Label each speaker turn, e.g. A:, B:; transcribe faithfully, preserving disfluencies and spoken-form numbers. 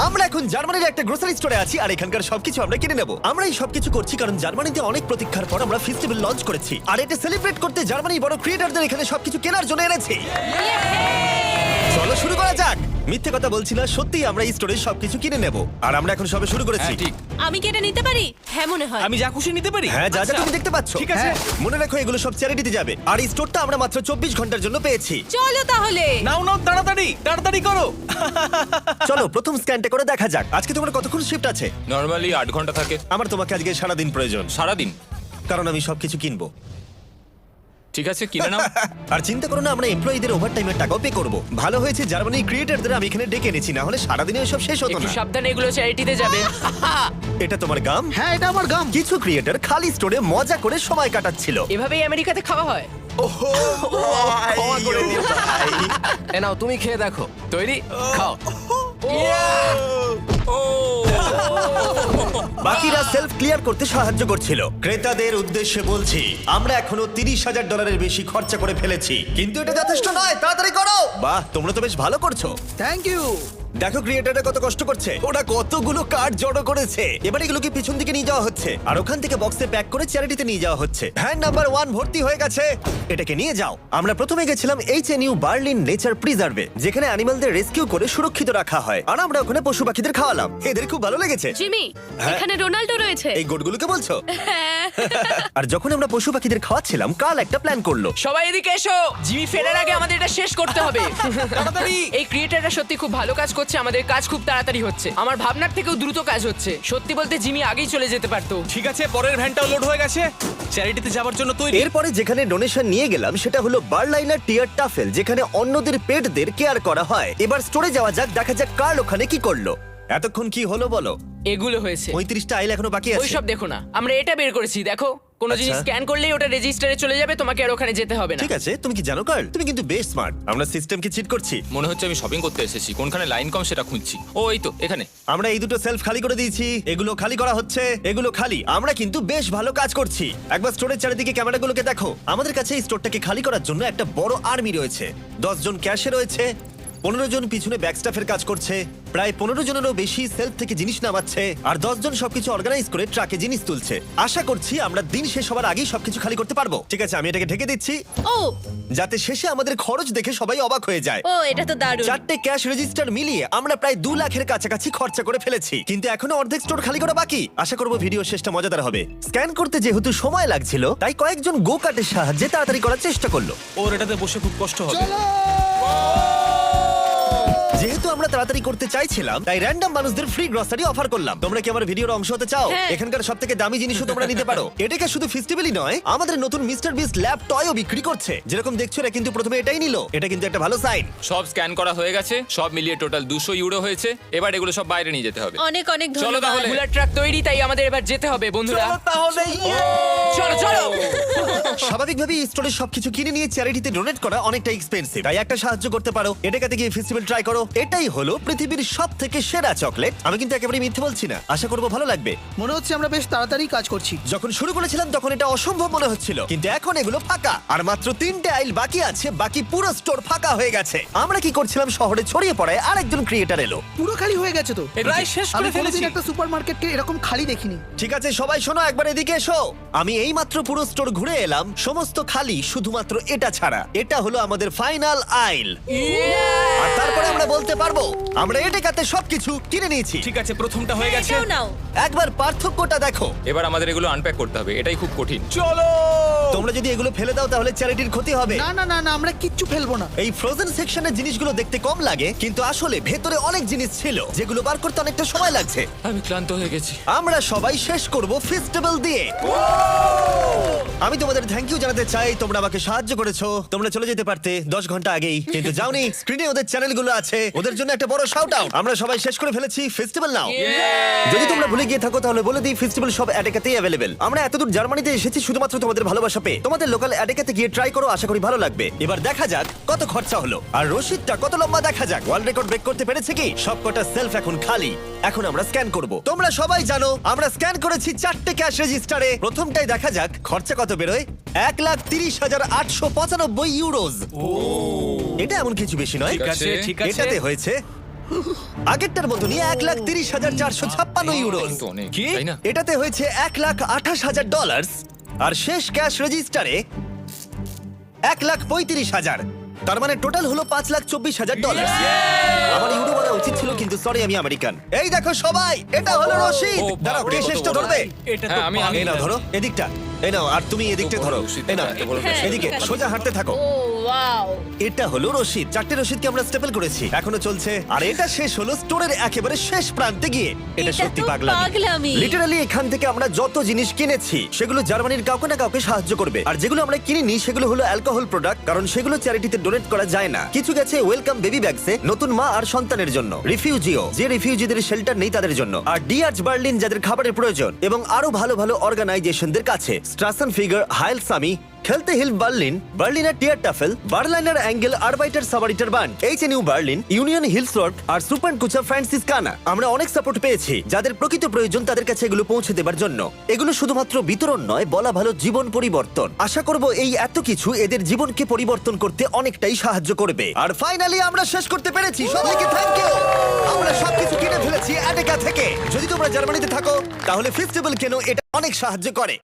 A: আমরা এখন জার্মানির একটা গ্রোসারি স্টোরে আছি আর এখানকার সবকিছু আমরা কিনে নেব। আমরা এই সবকিছু করছি কারণ জার্মানিতে অনেক প্রতীক্ষার পর আমরা ফেস্টিভ্যাল লঞ্চ করেছি, আর এটা সেলিব্রেট করতে জার্মানির বড় ক্রিয়েটরদের এখানে সবকিছু কেনার জন্য এনেছি। চলো শুরু করা যাক। মিথ্যে কথা বলছি না, সত্যি আমরা এই স্টোরে সবকিছু কিনে নেব, আর আমরা এখন সবে শুরু করেছি।
B: হ্যাঁ, ঠিক।
C: আমি কি এটা নিতে পারি? হ্যাঁ মনে হয়।
B: আমি যা খুশি নিতে পারি?
A: হ্যাঁ, যা যা
B: আচ্ছা।
A: তুমি দেখতে পাচ্ছ।
B: ঠিক আছে।
A: হ্যাঁ, মনে রাখো এগুলো সব চ্যারিটিতে যাবে, আর এই স্টোরটা আমরা মাত্র চব্বিশ ঘন্টার জন্য পেয়েছি।
C: চলো তাহলে।
B: নাও নাও, তাড়াতাড়ি তাড়াতাড়ি করো।
A: চলো প্রথম স্ক্যানটা করে দেখা যাক। আজকে তোমার কতক্ষণ শিফট আছে?
D: নরমালি আট ঘন্টা থাকে।
A: আমার তোমাকে আজকে সারা দিন প্রয়োজন,
D: সারাদিন?
A: কারণ আমি সবকিছু কিনবো।
D: ঠিক আছে, কিনে নাও।
A: আর চিন্তা করো না, আমরা এমপ্লয়ীদের ওভারটাইমের টাকাও পে করব। ভালো হয়েছে জার্মানির ক্রিয়েটরদের আমি এখানে ডেকে এনেছি, না হলে সারাদিনে সব শেষ হতো
E: একটু
A: না।
E: সাবধানে, এগুলো চ্যারিটিতে যাবে।
A: এটা তোমার গাম?
F: হ্যাঁ, এটা আমার গাম।
A: কিছু ক্রিয়েটর খালি স্টোরে মজা করে সময় কাটাচ্ছিল।
E: এভাবেই আমেরিকাতে খাওয়া হয়।
A: ক্ষমা করে দিও ভাই।
E: এ নাও, তুমি খেয়ে দেখো। তৈরি? খাও।
A: বাকিরা সেলফ ক্লিয়ার করতে সাহায্য করছিল। ক্রেতাদের উদ্দেশ্যে বলছি, আমরা এখনো তিরিশ হাজার ডলারের বেশি খরচা করে ফেলেছি, কিন্তু এটা যথেষ্ট নয়। তাড়াতাড়ি করো। বাহ, তোমরা তো বেশ ভালো করছো।
F: Thank you.
A: দেখো ক্রিয়েটাররা কত কষ্ট করছে, ওরা কতগুলো কার্ড জড়ো করেছে। এবার এগুলোকে পিছন দিকে নিয়ে যাওয়া হচ্ছে, আর ওখান থেকে বক্সে প্যাক করে চ্যারিটিতে নিয়ে যাওয়া হচ্ছে। ভ্যান নাম্বার ওয়ান ভর্তি হয়ে গেছে, এটাকে নিয়ে যাও। আমরা প্রথমে গেছিলাম H N U Berlin nature প্রিজার্ভে, যেখানে অ্যানিমালদের রেস্কিউ করে সুরক্ষিত রাখা হয়, আর আমরা ওখানে পশু পাখিদের খাওয়ালাম। এদের খুব ভালো লেগেছে।
C: জিমি,
A: হ্যাঁ?
C: এখানে রোনাল্ডো রয়েছে।
A: এই গোটগুলোকে বলছো?
C: হ্যাঁ।
A: আর যখন আমরা পশু পাখিদের খাওয়াচ্ছিলাম, কাল একটা প্ল্যান করলো।
E: সবাই এদিকে এসো, জিমি ফেরার আগে আমাদের এটা শেষ করতে হবে।
B: তাড়াতাড়ি।
E: এই ক্রিয়েটাররা সত্যি খুব ভালো কাজ করছে, আমাদের কাজ খুব তাড়াতাড়ি হচ্ছে। আমার ভাবনার থেকেও দ্রুত কাজ হচ্ছে। সত্যি বলতে জিমি আগেই চলে যেতে পারতো।
B: ঠিক আছে, পরের ভ্যানটাও লোড হয়ে গেছে। চ্যারিটিতে যাওয়ার জন্য তৈরি।
A: এরপরে যেখানে ডোনেশন নিয়ে গেলাম সেটা হলো বার্লাইনার টিয়ার টাফেল, যেখানে অন্যদের পেটদের কেয়ার করা হয়। এবার স্টোরে যাওয়া যাক, দেখা যাক কার্ল ওখানে কি করলো। এতক্ষণ কি হলো বলো?
E: এগুলো হয়েছে।
A: পঁয়ত্রিশটা আইল এখনো বাকি আছে।
E: ওইসব দেখো না, আমরা এটা বের করেছি। দেখো, কোনো
A: আচ্ছা।
E: জিনিস স্ক্যান করলেই ওটা রেজিস্টারে চলে যাবে, তোমাকে আর ওখানে যেতে হবে না।
A: ঠিক আছে, তুমি কি জানো কার্ল, তুমি কিন্তু বেশ স্মার্ট। আমরা সিস্টেমকে চিট করছি।
D: মনে হচ্ছে আমি শপিং করতে এসেছি, কোনখানে লাইন কম সেটা খুঁজছি। ও এই তো এখানে।
A: আমরা এই দুটো সেলফ খালি করে দিয়েছি, এগুলো খালি করা হচ্ছে, এগুলো খালি। আমরা কিন্তু বেশ ভালো কাজ করছি। একবার স্টোরের চারিদিকে ক্যামেরাগুলোকে দেখো। আমাদের কাছে এই স্টোরটাকে খালি করার জন্য একটা বড় আর্মি রয়েছে। দশ জন ক্যাশে রয়েছে, পনেরো জন পিছনে ব্যাকস্টাফের কাজ করছে, প্রায় পনেরো জনেরও বেশি সেলফ থেকে জিনিস নামাচ্ছে, আর দশ জন সবকিছু অর্গানাইজ করে ট্রাকে জিনিস তুলছে। আশা করছি আমরা দিন শেষ হওয়ার আগেই সবকিছু খালি করতে পারবো। ঠিক আছে, আমি এটাকে ঢেকে দিচ্ছি,
C: ও
A: যাতে শেষে আমাদের খরচ দেখে সবাই অবাক হয়ে যায়।
C: ও এটা তো দারুণ।
A: চারটে ক্যাশ রেজিস্টার মিলিয়ে আমরা প্রায় দু লাখের কাছাকাছি খরচা করে ফেলেছি, কিন্তু এখনো অর্ধেক স্টোর খালি করা বাকি। আশা করবো ভিডিও শেষটা মজাদার হবে। স্ক্যান করতে যেহেতু সময় লাগছিল, তাই কয়েকজন গো কার্টের সাহায্যে তাড়াতাড়ি করার চেষ্টা করলো।
B: ওর এটাতে বসে খুব কষ্ট হবে।
A: যেহেতু আমরা তাড়াতাড়ি করতে চাইছিলাম, তাই র্যান্ডম মানুষদের ফ্রি গ্রসারি অফার করলাম। তোমরা কি আমার ভিডিওর অংশ হতে চাও?
C: হ্যাঁ।
A: এখানকার সবথেকে দামি জিনিসও তোমরা নিতে পারো। এটাকে শুধু ফেস্টিভ্যালই নয়, আমাদের নতুন মিস্টার বিস্ট ল্যাব টয়ও বিক্রি করছে। যেরকম দেখছো, এরা কিন্তু প্রথমে এটাই নিল। এটা কিন্তু একটা ভালো সাইন।
D: সব স্ক্যান করা হয়ে গেছে, সব মিলিয়ে টোটাল দুশো ইউরো হয়েছে। এবার এগুলো সব বাইরে নিয়ে যেতে হবে।
C: অনেক অনেক
D: চলো
C: ধন্যবাদ।
D: তাহলে।
E: বুলার ট্রাক তৈরি, তাই আমাদের এবার যেতে হবে বন্ধুরা।
B: তাহলে
E: চলো চলো।
A: স্বাভাবিকভাবেই স্টোরে সবকিছু কিনে নিয়ে চ্যারিটিতে ডোনেট করা অনেকটা এক্সপেন্সিভ, তাই একটা সাহায্য করতে পারো। এটাকে গিয়ে ফেস্টিভ্যাল ট্রাই করো। এটাই হলো পৃথিবীর সব থেকে সেরা চকলেট। আমি কিন্তু একেবারে মিথ্যে বলছি না, আশা করবো ভালো লাগবে।
F: মনে হচ্ছে আমরা বেশ তাড়াতাড়ি কাজ করছি।
A: যখন শুরু করেছিলাম তখন এটা অসম্ভব মনে হচ্ছিল, কিন্তু এখন এগুলো ফাঁকা, আর মাত্র তিনটে আইল বাকি আছে। বাকি পুরো স্টোর ফাঁকা হয়ে গেছে। আমরা কি করছিলাম, শহরে ছড়িয়ে পড়ায় আরেকজন ক্রিয়েটার এলো।
F: পুরো খালি হয়ে গেছে তো।
B: প্রায় শেষ
F: আমি
B: করে
F: কোনোদিন
B: ফেলেছি।
F: একটা সুপারমার্কেটকে এরকম খালি দেখিনি।
A: ঠিক আছে সবাই শোনো, একবার এদিকে এসো। আমি এই মাত্র পুরো স্টোর ঘুরে এলাম, সমস্ত খালি, শুধুমাত্র এটা ছাড়া। এটা হলো আমাদের ফাইনাল আইল, আর তারপরে আমরা বলতে পারবো আমরা এটাতে সবকিছু কিনে নিয়েছি।
B: ঠিক আছে, প্রথমটা হয়ে গেছে।
C: এটাও নাও।
A: একবার পার্থক্যটা দেখো।
D: এবার আমাদের এগুলো আনপ্যাক করতে হবে, এটাই খুব কঠিন।
B: চলো।
A: তোমরা যদি এগুলো ফেলে দাও তাহলে চ্যারিটির ক্ষতি হবে।
F: না না না না, আমরা কিচ্ছু ফেলবো না।
A: এই ফ্রোজেন সেকশনের জিনিসগুলো দেখতে কম লাগে, কিন্তু আসলে ভেতরে অনেক জিনিস ছিল যেগুলো বার করতে অনেকটা সময় লাগছে।
D: আমি ক্লান্ত হয়ে গেছি।
A: আমরা সবাই শেষ করব ফেস্টিভ্যাল দিয়ে। আমি তোমাদের থ্যাংক ইউ জানাতে চাই, তোমরা আমাকে সাহায্য করেছো। তোমরা চলে যেতে পারতে দশ ঘন্টা আগেই, কিন্তু যাওনি। স্ক্রিনে ওদের চ্যানেলগুলো আছে, ওদের জন্য একটা বড় শাউট আউট। আমরা সবাই শেষ করে ফেলেছি ফেস্টিভ্যাল নাও। যদি তোমরা ভুলে গিয়ে থাকো তাহলে বলে দিই, ফেস্টিভ্যাল সব অ্যাডেকাতেই অ্যাভেলেবেল। আমরা এতদূর জার্মানিতে এসেছি শুধুমাত্র তোমাদের ভালোবাসা পেয়ে। তোমাদের লোকাল অ্যাডেকাতে গিয়ে ট্রাই করো, আশা করি ভালো লাগবে। এবার দেখা যাক কত খরচা হলো, আর রসিদটা কত লম্বা দেখা যাক। ওয়ার্ল্ড রেকর্ড ব্রেক করতে পেরেছে কি? সবকটা সেলফ এখন খালি। এখন আমরা স্ক্যান করব। তোমরা সবাই জানো আমরা স্ক্যান করেছি চারটে ক্যাশ রেজিস্টারে। প্রথমটাই দেখা যাক খরচা কত বেরোয়। এক লাখ তিরিশ হাজার আটশো পঁচানব্বই ইউরোজ। এটা এমন কিছু বেশি নয়।
B: ঠিক আছে, ঠিক আছে।
A: এটাতে হয়েছে আগেরটার মতনই এক লাখ তিরিশ হাজার চারশো ছাপ্পান্ন ইউরো।
D: কিন্তু অনেক,
B: কি?
D: তাই না?
A: এটাতে হয়েছে এক লাখ আঠাশ হাজার ডলার আর শেষ ক্যাশ রেজিস্টারে এক লাখ পঁয়ত্রিশ হাজার। তার মানে টোটাল হলো পাঁচ লাখ চব্বিশ হাজার ডলার। আমার ইউরো বলা উচিত ছিল, কিন্তু সরি, আমি আমেরিকান। এই দেখো সবাই, এটা হলো রশিদ।
D: ও,
A: দাঁড়াও, কে
D: বাপরে,
A: শেষটা
D: কত বড়।
A: ধরবে?
B: এটা তো
D: হ্যাঁ, আমি- আমি-
A: এই নাও, ধরো এদিকটা। এই নাও, আর তুমি এদিকটা
D: বড়
A: ধরো।
D: রশিদ,
A: এই নাও,
D: এত বড়
C: হ্যাঁ,
A: এদিকে
C: ঠিক আছে।
A: সোজা হাঁটতে থাকো।
C: ও ওয়াও।
A: এটা হলো রশিদ। চারটে রশিদকে আমরা স্টেপল করেছি, এখনো চলছে। আর এটা শেষ হলো স্টোরের একেবারে শেষ প্রান্তে গিয়ে। এটা
C: এটা
A: সত্যি
C: তো
A: পাগলামি।
C: পাগলামি।
A: লিটারালি এখান থেকে আমরা যত জিনিস কিনেছি সেগুলো জার্মানির কাউকে না কাউকে সাহায্য করবে, আর যেগুলো আমরা কিনিনি সেগুলো হলো অ্যালকোহল প্রোডাক্ট, কারণ সেগুলো চ্যারিটিতে ডোনেট করা যায় না। কিছু গেছে ওয়েলকাম বেবি ব্যাগসে, নতুন মা আর সন্তানের জন্য, রিফিউজিও যে রিফিউজিদের শেল্টার নেই তাদের জন্য, আর ডিআরচ বার্লিন যাদের খাবারের প্রয়োজন, এবং আরো ভালো ভালো অর্গানাইজেশনদের কাছে। স্ট্রাসন figure, Heilsarmee, Kältehilfe Berlin, Berliner Tier Tafel, Berliner Engel, Arbeiter Samariter Bund, H N U Berlin, Union Hilfswerk আর সুপার কুচা ফ্রান্সিসকানা। আমরা অনেক সাপোর্ট পেয়েছি, যাদের প্রকৃত প্রয়োজন তাদের কাছে এগুলো পৌঁছে দেবার জন্য। এগুলো শুধুমাত্র বিতরণ নয়, বলা ভালো জীবন পরিবর্তন। আশা করব এই এত কিছু এদের জীবনকে পরিবর্তন করতে অনেকটাই সাহায্য করবে। আর ফাইনালি আমরা শেষ করতে পেরেছি, সবাইকে থ্যাংক ইউ। আমরা সবকিছু কিনে ফেলেছি অ্যাটেকা থেকে। যদি তোমরা জার্মানিতে থাকো তাহলে ফেস্টিভ্যাল কেন, এটা অনেক সাহায্য করে।